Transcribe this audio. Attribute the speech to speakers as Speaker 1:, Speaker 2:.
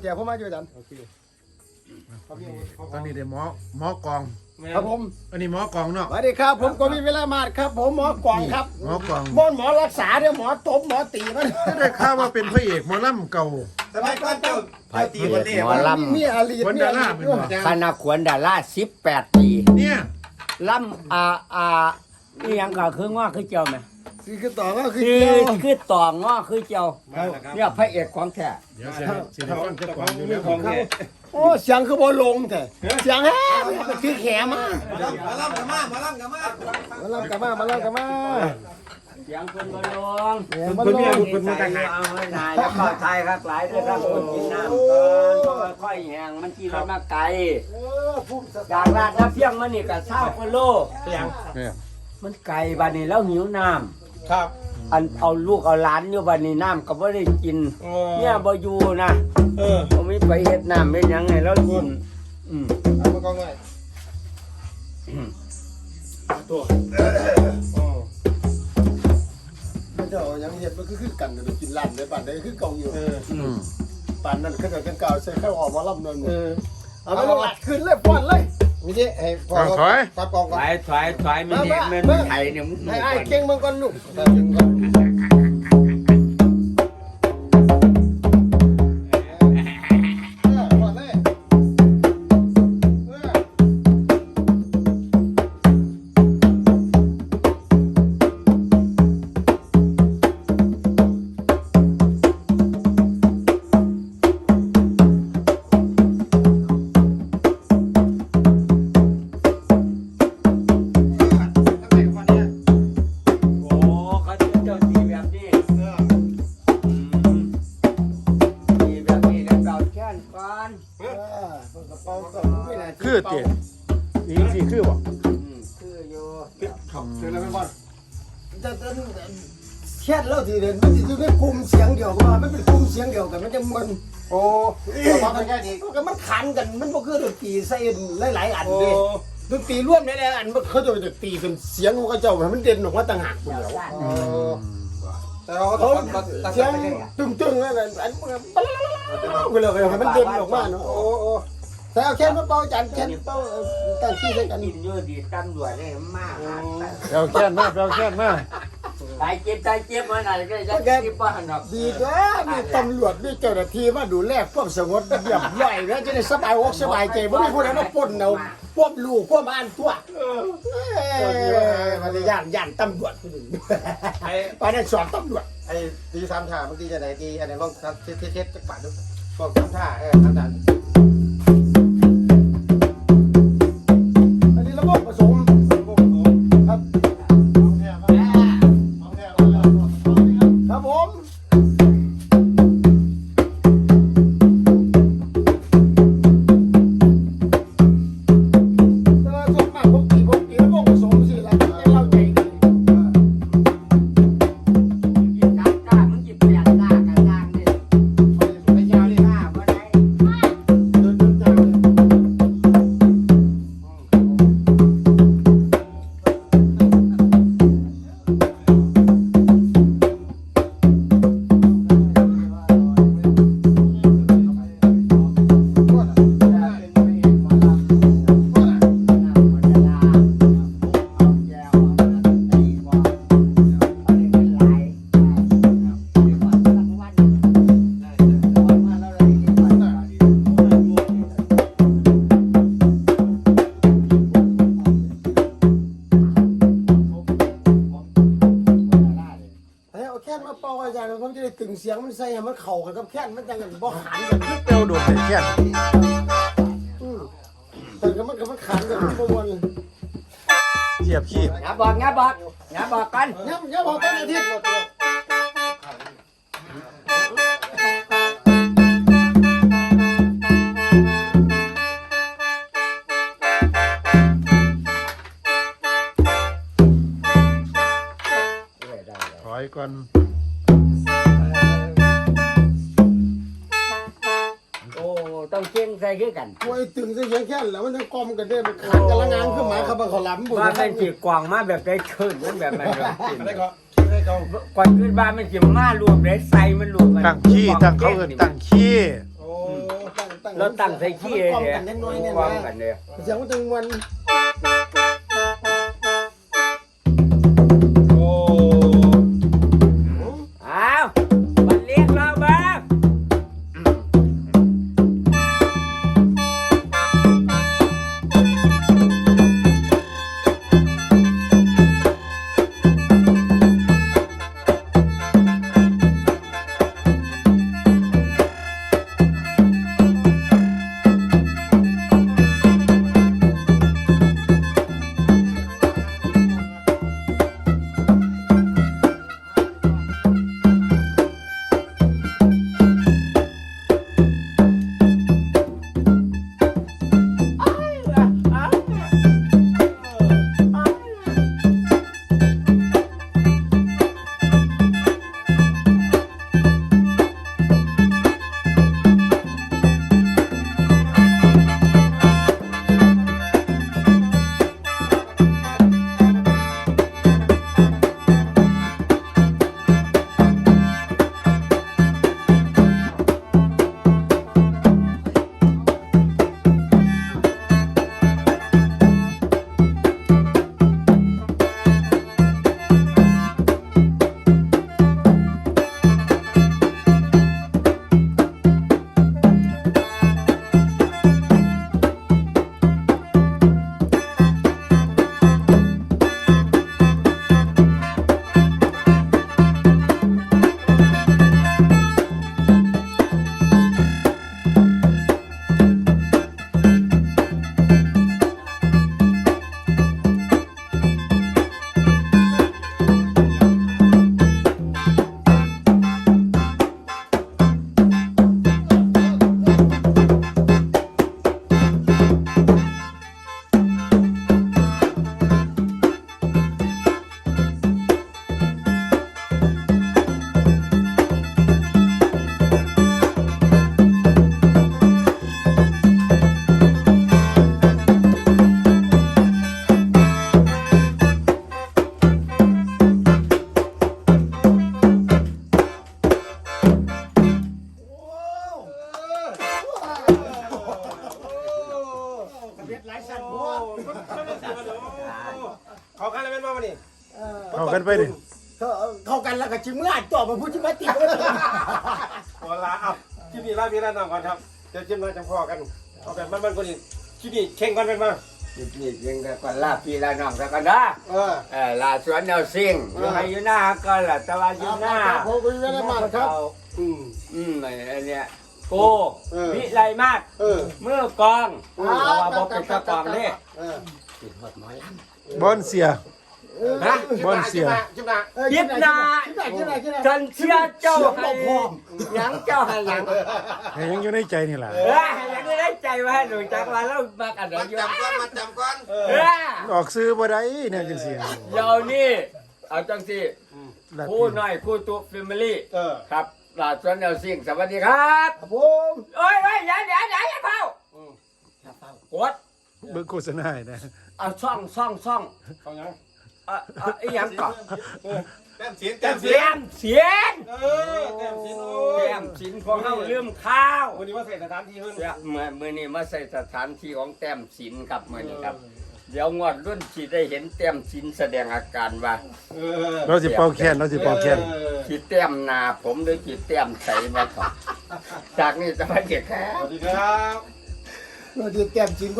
Speaker 1: ยวผมมาอยู่อาจารย์
Speaker 2: โอเคตอนนี้ได้หมอกอง
Speaker 1: ครับผม
Speaker 2: อันนี้หมอกองเนาะ
Speaker 1: สวัสดีครับผมกวินเวลามาศครับผมหมอกวางครับ
Speaker 2: หมอกอง
Speaker 1: หมอรักษาเดี๋ยวหมอตบหมอตีมัน
Speaker 2: ก็ได้ข่าวว่าเป็นพระเอกหมอลำเก่า
Speaker 3: สมัยก่อนเจ้าตีบอลเล่
Speaker 4: หมอล
Speaker 1: มีอาลี
Speaker 2: คนดาราเป็นบ่
Speaker 4: ำคณะขวัญดารา18 ปี
Speaker 2: เนี่ย
Speaker 4: ลำนี่ยังก็คือง้อคือเจ้าไหม
Speaker 1: คือต่อก็คือ
Speaker 4: คือ
Speaker 1: เจ้า
Speaker 4: คือต่อง้อคือเจ้าเนี่ยพระเอกของแท้
Speaker 2: เดี๋ยวสิได้ฟังเจ้าของอยู่แล้ว
Speaker 3: ของแท้
Speaker 1: โอ้เสียงคือบอลลงแต่เสียงแฮ่มันคือแขมา
Speaker 3: มาล่ำกับมามาล่ำกับมา
Speaker 1: มาเล่ากันมาเล่ากันมา
Speaker 4: เสียงคนบอลลง
Speaker 1: มาลง
Speaker 4: คนมาแต่งเอาไว้นายแล้วก็ไทยครับหลายด้วยครับคนกินน้ำก่อนเพราะว่าค่อยแห้งมันขี่รถมาไกลจากลาดน้ำเพียงมันนี่ก็20 กิโล
Speaker 2: เนี่ย
Speaker 4: มันไกลบ้านนี้แล้วหิวน้ำ
Speaker 3: ครับ
Speaker 4: อันเอาลูกเอาหลานอยู่บ้านนี้น้ำก็บ่ได้กินเนี่ยบ่อยู่นะ ผมไม่ไปเฮ็ดน้ำเป็นยังไงแล้วกิน
Speaker 3: เอามากองไว้ตัว
Speaker 1: มันจะยังเห็นมันคือกันกันกินลั่นในบ้านได้คือเก่าอยู่ ป่านนั้นเขาจะเป็นเก่าใส่ข้าวออกมาล่ำนนเอาไปลงอัดขึ้นเลยป้อนเลย
Speaker 3: มีดิให้พอตัดกองก่อน
Speaker 4: ถอยมันเนี่ยมันไถเนี่ยมึง
Speaker 1: ไอ้เก่งมึงก่อนลูก
Speaker 3: ตัดถึงก่อน
Speaker 1: ป้อนเลย
Speaker 4: โอ้เขาจะเจ้าตีแบบนี้ตีแบบนี้แล้วเก่าแค่นก่อน
Speaker 2: คือเตี๋ยอีกสิคือบ่
Speaker 4: คืออยู่
Speaker 3: เสร็จแล้วไม่บอล
Speaker 1: จะแค่เล่าทีเดียวมันจะอยู่ในกลุ่มเสียงเดียวว่ามันเป็นกลุ่มเสียงเดียวกันมันจะมัน
Speaker 3: โอ้ทำแค่นี้
Speaker 1: ก็มันขันกันมันก็คือดนตรีใส่หลายๆอันเลยดนตรีร่วมหลายๆอันเขาจะตีเป็นเสียงของเขาเจ้ามันเด่นออกมาต่างหากเดียว
Speaker 3: แต่เรา
Speaker 1: เขา
Speaker 3: ตัด
Speaker 1: เสียงตึงๆนั่นอันก็เลยให้มันเด่นออกมาเนาะ
Speaker 3: โอ้โอ้
Speaker 1: แต่เอาแค่มาเป่าจันแค่เป่าตั้งที่ใส่กัน
Speaker 4: กินอยู่ดีตำรวจได้มาก
Speaker 2: เราแค่นมาเราแค่นมา
Speaker 4: ตายเจ็บมาไหนก็จะกินบ้านหรอก
Speaker 1: ดีตัวมีตำรวจมีเจ้าหน้าที่มาดูแลความสงบเรียบร้อยแล้วจะได้สบายอกสบายใจไม่ได้พูดอะไรมาปนเอาควบลูกควบบ้านตัวมันจะย่านตำรวจคนหนึ่งไปนั่นสอนตำรวจ
Speaker 3: ไอ้ตีสามท่าบางทีจะไหนตีอันไหนลองเทสจักบาทดูพวกสามท่าสามท่า
Speaker 1: อันนี้ระบบผสมครับครับผมแต่ว่าส่วนมากผมตีระบบผสมสิแล้วจะเล่าใจดี
Speaker 4: กินกามึงกินเปลี่ยนกากระด้างนี่
Speaker 3: ไปยาวดิ
Speaker 4: กาบ่ได้
Speaker 3: เดินจ้าเลย
Speaker 1: เอาแค่นมาเป่าอาจารย์ผมจะได้ตึงเสียงมันใส่ให้มันเข่ากันกับแค่นมันจังกันบ่ขันกัน
Speaker 2: เปลวโดดแต่แค่น
Speaker 1: แต่ก็มันขันกันทุกวัน
Speaker 2: เทียบขี้
Speaker 4: อย่าบอกกัน
Speaker 1: ย้ำบอกกันอาทิตย์
Speaker 2: ถอยก่อน
Speaker 4: โอ้ต้องเก่งใส่คือกัน
Speaker 1: โอ้ยตึงเสียงแค่นแล้วมันจะกลมกันได้มันขันกันละงานขึ้นมาครับมันขอล้ำบุญ
Speaker 4: ว่าเป็นจีกวางมาแบบได้ขึ้นมันแบบมันกิน
Speaker 3: ได้ก็ได้ก็
Speaker 4: ก่อนขึ้นบ้านมันจีมารวมได้ใส่มันรวมกัน
Speaker 2: ตั้งขี้ตั้งเขาเอิ้นตั้งขี้
Speaker 3: โอ้
Speaker 4: เราตั้งใส่ขี้
Speaker 3: กล่อม
Speaker 4: เนี่ย
Speaker 3: กันน้อยๆเนี่ย
Speaker 4: ความ
Speaker 3: นะ
Speaker 4: กันเนี่ย
Speaker 3: เสียงมันตึงวัน
Speaker 4: โอ้อ้าวมันเรียกเราบ้าง
Speaker 3: เขากันแล้วเป็นว่าวันนี้
Speaker 2: เข้ากันไปดิ
Speaker 3: เข้ากันแล้วก็จิ้มลาดต่อมาพูดจิ้มมาติดหัวลาอับจิ้มนี่ลาพี่ลาน้องก่อนครับเดี๋ยวจิ้มลาจังพ่อกันเอาแบบมันคนนี้จิ้มนี่เข่งกันเป็นมา
Speaker 4: นี่ยังก่อนลาพี่ลาน้องแล้วกันนะลาสวนแนวซิ่งยังไงอยู่หน้าก็ล่ะตะวันอยู่หน้า
Speaker 1: ผมก็ไม่ได้มาครับ
Speaker 4: ไอ้เนี่ยโกวิไลมาศเมื่อกองเราว่าบอกเป็นตะกองนี่ติดหดหมอลำ
Speaker 2: บอนเสีย
Speaker 4: ฮะ
Speaker 2: บอนเสีย
Speaker 3: จิ้มนา
Speaker 4: ยิบนาจนเชื่อเจ้าให้หยังเจ้าให้หยัง
Speaker 2: ให้ยังอยู่ในใจนี่แหละ
Speaker 4: ยังไม่ได้ใจว่าหนูจักว่าแล้วมากันเดี๋ยวอยู่
Speaker 3: มาจำก่อน
Speaker 2: ออกซื้อบ่ได้เนี่ยจังซี่
Speaker 4: เดี๋ยวนี้เอาจังสิคู่น้อยคู่ตัวแฟมิลี่ครับลาสวนแนวซิ่งสวัสดีครับ
Speaker 3: ผม
Speaker 4: โอ้ยอย่าอย่าเฝ้ากด
Speaker 2: เบิ่งโฆษณาให้นะ
Speaker 4: เอาซ่อง
Speaker 3: เขายัง
Speaker 4: ไอ้ยังก่อน
Speaker 3: แต้มเสียน
Speaker 4: แต้มเสียน
Speaker 3: แต้มเสียน
Speaker 4: แต้มสินของเราลืมข้าว
Speaker 3: วันนี้ว่าใส่สถานที่เพิ่น
Speaker 4: มื่อนี้มาใส่สถานที่ของแต้มสินครับมื่อนี้ครับ เดี๋ยวงวดรุ่นสิได้เห็นแต้มสินแสดงอาการว่า
Speaker 2: เราสิเป่าแค้นเราสิเป่าแค้น
Speaker 4: ขีดแต้มหนาผมหรือขีดแต้มใสมาก่อนจากนี้จะมาเก็บแค่
Speaker 3: สวัสดีครับ
Speaker 1: เราจะแก้มจริง